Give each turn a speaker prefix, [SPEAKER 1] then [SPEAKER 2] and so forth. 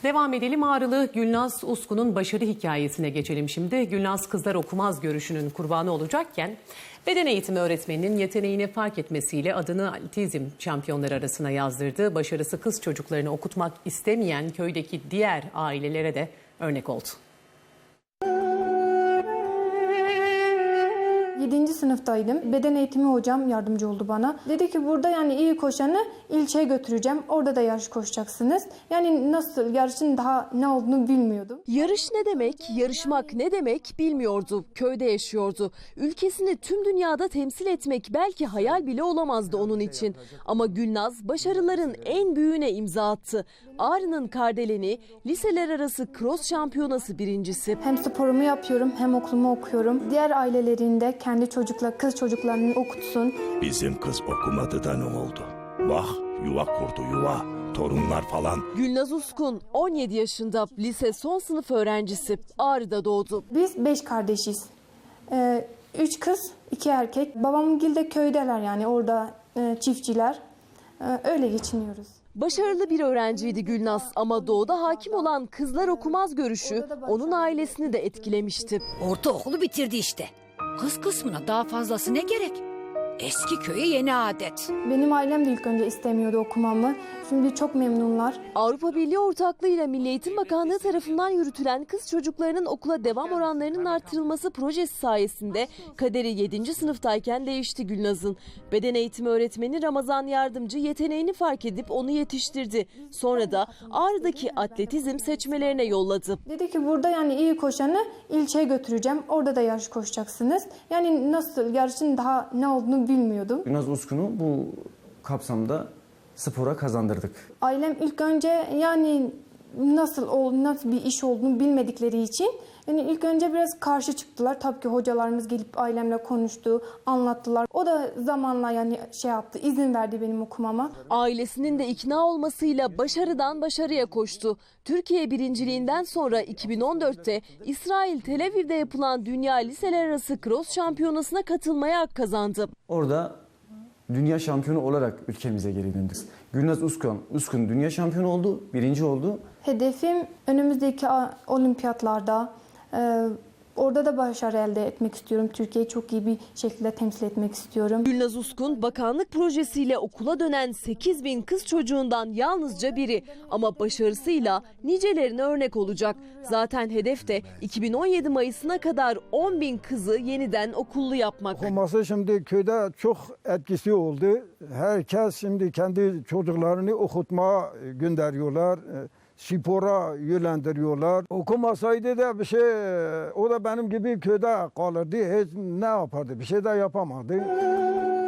[SPEAKER 1] Devam edelim. Ağrılı Gülnaz Usku'nun başarı hikayesine geçelim şimdi. Gülnaz kızlar okumaz görüşünün kurbanı olacakken beden eğitimi öğretmeninin yeteneğini fark etmesiyle adını atletizm şampiyonları arasına yazdırdı. Başarısı kız çocuklarını okutmak istemeyen köydeki diğer ailelere de örnek oldu.
[SPEAKER 2] 7. sınıftaydım. Beden eğitimi hocam yardımcı oldu bana. Dedi ki burada yani iyi koşanı ilçeye götüreceğim. Orada da yarış koşacaksınız. Yani nasıl yarışın daha ne olduğunu bilmiyordum.
[SPEAKER 3] Yarış ne demek, yarışmak ne demek bilmiyordu. Köyde yaşıyordu. Ülkesini tüm dünyada temsil etmek belki hayal bile olamazdı onun için. Ama Gülnaz başarıların en büyüğüne imza attı. Ağrı'nın Kardelen'i liseler arası cross şampiyonası birincisi.
[SPEAKER 2] Hem sporumu yapıyorum hem okulumu okuyorum. Diğer ailelerinde kendi kız çocuklarını okutsun.
[SPEAKER 4] Bizim kız okumadı da ne oldu? Bak yuva kurdu yuva. Torunlar falan.
[SPEAKER 3] Gülnaz Uskun 17 yaşında, lise son sınıf öğrencisi. Ağrı'da doğdu.
[SPEAKER 2] Biz 5 kardeşiz. 3 kız, 2 erkek. Babamgil de köydeler yani orada çiftçiler. Öyle geçiniyoruz.
[SPEAKER 3] Başarılı bir öğrenciydi Gülnaz ama doğuda hakim olan kızlar okumaz görüşü onun ailesini de etkilemişti.
[SPEAKER 5] Ortaokulu bitirdi işte. Kız kısmına daha fazlası ne gerek? Eski köye yeni adet.
[SPEAKER 2] Benim ailem de ilk önce istemiyordu okumamı. Şimdi çok memnunlar.
[SPEAKER 3] Avrupa Birliği ortaklığıyla Milli Eğitim Bakanlığı tarafından yürütülen kız çocuklarının okula devam oranlarının artırılması projesi sayesinde kaderi 7. sınıftayken değişti Gülnaz'ın. Beden eğitimi öğretmeni Ramazan Yardımcı yeteneğini fark edip onu yetiştirdi. Sonra da Ağrı'daki atletizm seçmelerine yolladı.
[SPEAKER 2] Dedi ki burada yani iyi koşanı ilçeye götüreceğim. Orada da yarış koşacaksınız. Yani nasıl yarışın daha ne olduğunu bilmiyordum.
[SPEAKER 6] Gülnaz Uskun'u bu kapsamda spora kazandırdık.
[SPEAKER 2] Ailem ilk önce yani nasıl bir iş olduğunu bilmedikleri için yani ilk önce biraz karşı çıktılar. Tabii ki hocalarımız gelip ailemle konuştu, anlattılar. O da zamanla yani izin verdi benim okumama.
[SPEAKER 3] Ailesinin de ikna olmasıyla başarıdan başarıya koştu. Türkiye birinciliğinden sonra 2014'te İsrail Tel Aviv'de yapılan Dünya Liseler Arası Cross Şampiyonası'na katılmaya hak kazandı.
[SPEAKER 6] Orada dünya şampiyonu olarak ülkemize geri döndük. Gülnaz Uskun dünya şampiyonu oldu, birinci oldu.
[SPEAKER 2] Hedefim önümüzdeki olimpiyatlarda orada da başarı elde etmek istiyorum. Türkiye'yi çok iyi bir şekilde temsil etmek istiyorum.
[SPEAKER 3] Gülnaz Uskun bakanlık projesiyle okula dönen 8.000 kız çocuğundan yalnızca biri. Ama başarısıyla nicelerine örnek olacak. Zaten hedef de 2017 Mayıs'ına kadar 10.000 kızı yeniden okullu yapmak.
[SPEAKER 7] Okuması şimdi köyde çok etkisi oldu. Herkes şimdi kendi çocuklarını okutmaya gönderiyorlar. Spora yönlendiriyorlar. Okumasaydı da o da benim gibi köyde kalırdı. Hiç ne yapardı? Bir şey de yapamadı.